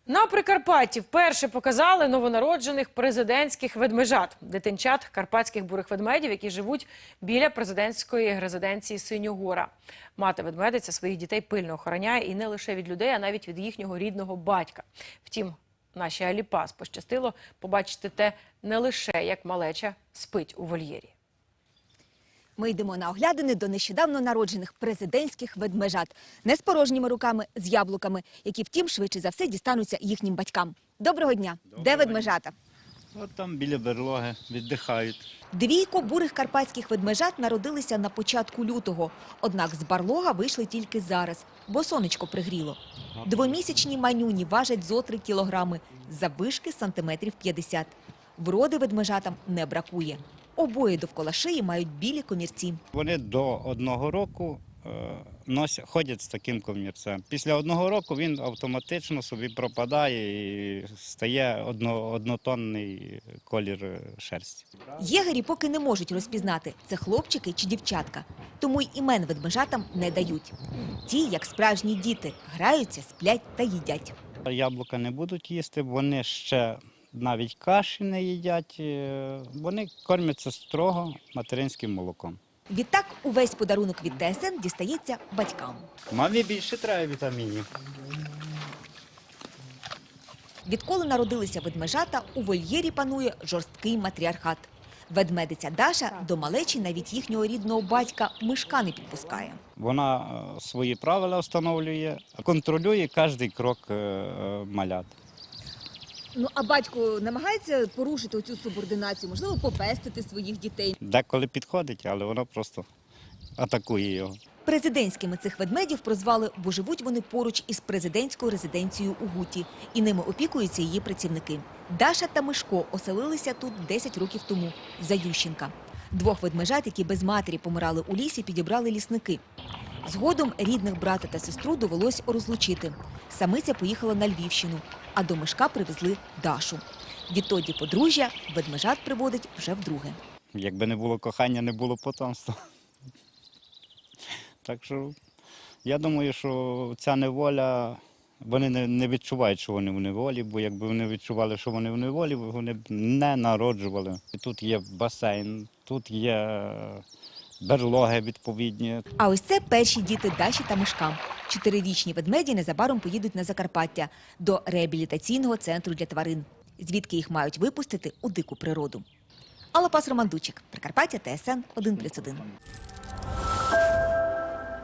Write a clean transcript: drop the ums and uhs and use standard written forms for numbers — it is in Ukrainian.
На Прикарпатті вперше показали новонароджених президентських ведмежат – дитинчат карпатських бурих ведмедів, які живуть біля президентської резиденції Синьогора. Мати-ведмедиця своїх дітей пильно охороняє і не лише від людей, а навіть від їхнього рідного батька. Втім, нашій Аліпас пощастило побачити те не лише, як малеча спить у вольєрі. Ми йдемо на оглядини до нещодавно народжених президентських ведмежат. Не з порожніми руками, з яблуками, які, втім, швидше за все дістануться їхнім батькам. Доброго дня! Де ведмежата? От там біля берлоги віддихають. Двійко бурих карпатських ведмежат народилися на початку лютого. Однак з барлога вийшли тільки зараз, бо сонечко пригріло. Двомісячні манюні важать зо 3 кілограми, заввишки сантиметрів 50. Вроди ведмежатам не бракує. Обоє довкола шиї мають білі комірці. Вони до 1 року ходять з таким комірцем. Після 1 року він автоматично собі пропадає і стає однотонний колір шерсті. Єгері поки не можуть розпізнати, це хлопчики чи дівчатка. Тому й імен ведмежатам не дають. Ті, як справжні діти, граються, сплять та їдять. Яблука не будуть їсти, вони ще навіть каші не їдять. Вони кормяться строго материнським молоком. Відтак увесь подарунок від ТСН дістається батькам. Мамі більше треба вітамінів. Відколи народилися ведмежата, у вольєрі панує жорсткий матріархат. Ведмедиця Даша до малечі навіть їхнього рідного батька Мишка не підпускає. Вона свої правила встановлює, контролює кожен крок малят. Ну, а батько намагається порушити оцю субординацію, можливо, попестити своїх дітей? Деколи підходить, але вона просто атакує його. Президентськими цих ведмедів прозвали, бо живуть вони поруч із президентською резиденцією у Гуті. І ними опікуються її працівники. Даша та Мишко оселилися тут 10 років тому, за Ющенка. 2 ведмежат, які без матері помирали у лісі, підібрали лісники. Згодом рідних брата та сестру довелось розлучити. Самиця поїхала на Львівщину, а до Мишка привезли Дашу. Відтоді подружжя ведмежат приводить вже вдруге. Якби не було кохання, не було потомства. Так що я думаю, що ця неволя, вони не відчувають, що вони в неволі, бо якби вони відчували, що вони в неволі, вони б не народжували. І тут є басейн, тут є берлоги відповідні. А ось це перші діти Даші та Мишка. 4-річні ведмеді незабаром поїдуть на Закарпаття до реабілітаційного центру для тварин, звідки їх мають випустити у дику природу. Алапас Романдучик, Прикарпаття, ТСН 1+1.